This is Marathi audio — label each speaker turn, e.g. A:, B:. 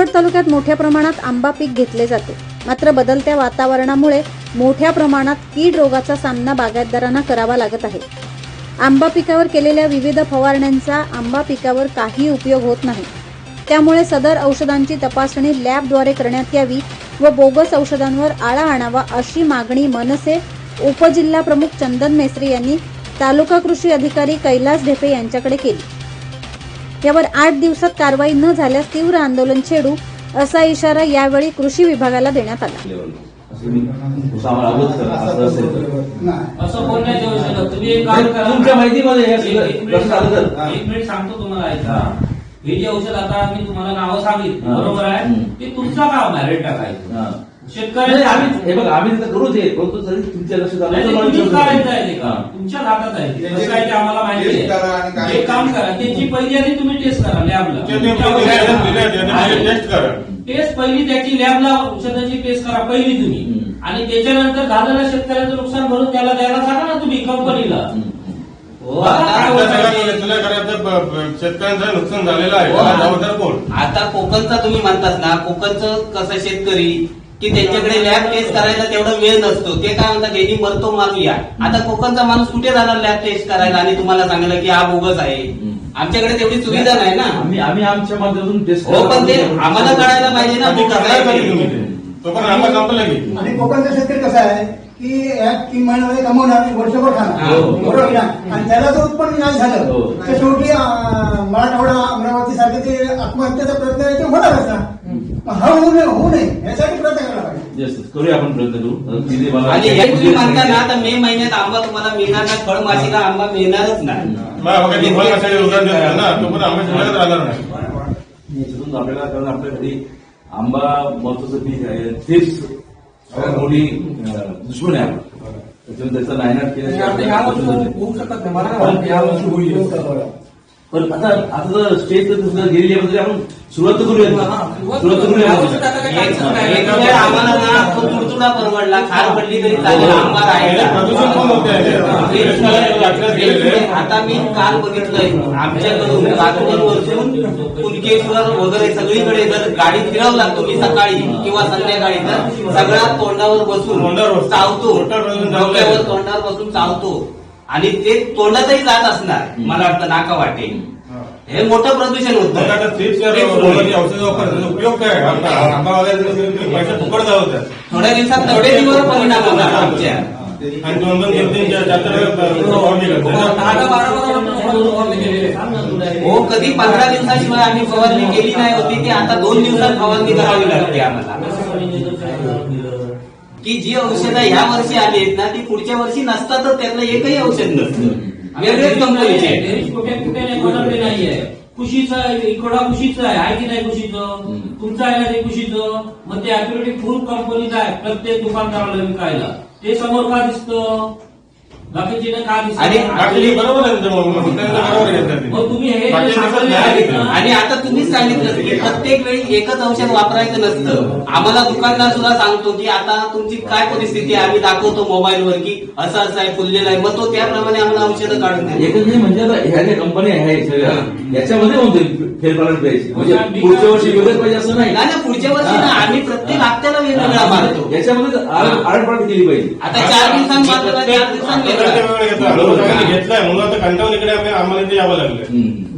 A: मनमाड तालुक्यात मोठ्या प्रमाणात आंबा पीक घेतले जाते. मात्र बदलत्या वातावरणामुळे मोठ्या प्रमाणात कीड रोगाचा सामना बागायतदारांना करावा लागत आहे. आंबा पिकावर केलेल्या विविध फवारण्यांचा आंबा पिकावर काही उपयोग होत नाही. त्यामुळे सदर औषधांची तपासणी लॅबद्वारे करण्यात यावी व बोगस औषधांवर आळा आणावा अशी मागणी मनसे उपजिल्हा प्रमुख चंदन मेस्त्री यांनी तालुका कृषी अधिकारी कैलास ढेपे यांच्याकडे केली. यावर 8 दिवसात कारवाई न झाल्यास तीव्र आंदोलन छेडू असा इशारा यावेळी कृषी विभागाला देण्यात आला.
B: असं बोलण्यात येऊ शकत. तुम्ही एक काम करा,
C: तुमच्या माहितीमध्ये
B: एक मिनिट सांगतो तुम्हाला. ऐका, हे जे औषध आता मी तुम्हाला नावं सांगितली बरोबर आहे, ते तुमचं काम आहे रेट टाकायचं. शेतकरी
C: आम्ही करू दे, तुमच्या लक्षात
B: तुम्हीच करायचं आहे ते काम, तुमच्या हातात आहे. कसं काय ते आम्हाला माहिती आहे. एक काम करा, त्याची पहिली आधी तुम्ही टेस्ट करा लॅबला. टेस्ट पहिली त्याची लॅबला औषधाची टेस्ट करा पहिली तुम्ही, आणि त्याच्यानंतर झालेल्या शेतकऱ्याचं नुकसान भरून त्याला द्यायला सांगा ना तुम्ही कंपनीला.
D: शेतकऱ्यांचं नुकसान झालेलं आहे.
E: आता कोकणचा तुम्ही म्हणतात ना, कोकणचं कसं शेतकरी की त्यांच्याकडे लॅब टेस्ट करायला तेवढा वेळ नसतो. ते काय म्हणतात त्यांनी मरतो मारूया. आता कोकणचा माणूस कुठे जाणार लॅब टेस्ट करायला आणि तुम्हाला सांगितलं की हा बोगस आहे. आमच्याकडे तेवढी सुविधा नाही ना.
C: आम्ही आमच्या माध्यमातून टेस्ट
E: हो, पण ते आम्हाला कळायला पाहिजे ना.
D: तो पण आम्हाला संपलं.
F: आणि कोकणचा शेतकरी कसा आहे की या 3 महिन्यामध्ये कमवणार, वर्षभर खाणार, बरोबर ना. आणि त्याला जर उत्पन्न नाही झालं तर शेवटी मराठवाडा अमरावती सारखे ते आत्महत्येचा प्रयत्न आहे ते होणारच ना. हा होऊ नये यासाठी प्रयत्न करायला पाहिजे.
C: करूया आपण प्रयत्न करू.
E: आणि हे तुम्ही म्हणता ना, आता मे महिन्यात आंबा तुम्हाला मिळणार नाही, फळमाशीला आंबा मिळणारच नाही.
D: तो पण आंबा शिल्लकच राहणार नाही.
C: याच्यातून आपल्याला, कारण आपल्या घरी आंबा महत्वाचं पीक आहे, तेच सगळ्यात मोठी दुश्मन आहे. त्याच्यामुळे त्याचा नायनाट केल्याशिवाय पण आता जर स्टेज गेलेली आहे आपण सुरुवात करूया.
E: आम्हाला ना तुडतुडा परवडला, खार पडली तरी चालेल, आंबा राहिला. आता मी काल बघितलंय आमच्याकडून रात्रभरपासून कुणकेश्वर वगैरे सगळीकडे जर गाडी फिरवला तुम्ही सकाळी किंवा संध्याकाळी तर सगळा तोंडावर बसून चावतो, डोक्यावर तोंडावर बसून चावतो. आणि ते तोंडातही जात असणार मला वाटतं, नाका वाटे. हे मोठं प्रदूषण होतं.
D: औषध वापरण्याचा उपयोग काय? पैसे फुकट जावतात.
E: थोड्या दिवसात तब्येतीवर परिणाम होणार आमच्या.
D: आणि 2-2-3-3
E: हो, कधी 15 दिवसाशिवाय आम्ही फवारणी केली नाही होती, ती आता 2 दिवसात फवारणी करावी लागते आम्हाला. की जी औषधं ह्या वर्षी आली आहेत ना, ती पुढच्या वर्षी नसतातच. त्यातलं एकही औषध नसतं. वेगळेच कंपनीचे
B: कुठे नाहीये. खुशीचं इकडा खुशीचं आहे की नाही खुशीचं, तुमचं आहे ना ते खुशीचं. मग ते ऍक्युरेटिक फूड कंपनीचं आहे प्रत्येक दुकानदाराला विकायला. ते समोर का दिसतं, बाकीचे का दिसतं?
D: बरोबर आहे.
B: तुम्ही हे
E: आणि आता तुम्हीच सांगितलं की प्रत्येक वेळी एकच औषध वापरायचं नसतं. आम्हाला दुकानदार सुद्धा सांगतो की आता तुमची काय परिस्थिती आहे, आम्ही दाखवतो मोबाईलवर की असं असं आहे, फुललेलं आहे. मग तो त्याप्रमाणे आम्हाला औषधं काढून द्या.
C: एकच नाही म्हणजे आता ह्या ज्या कंपन्या आहेत सगळ्या याच्यामध्ये होते फेरफार पाहिजे. म्हणजे पुढच्या वर्षी वेगळंच पाहिजे असं नाही
E: ना. पुढच्या वर्षी ना आम्ही प्रत्येक हप्त्याला वेगवेगळा मारतो.
C: याच्यामध्ये आडपाड केली पाहिजे.
E: आता 4 दिवसांनी मारतो, 4 दिवसांनी
D: घेतलाय म्हणून आता कंटाळून इकडे आम्हाला इथे यावं लागलं.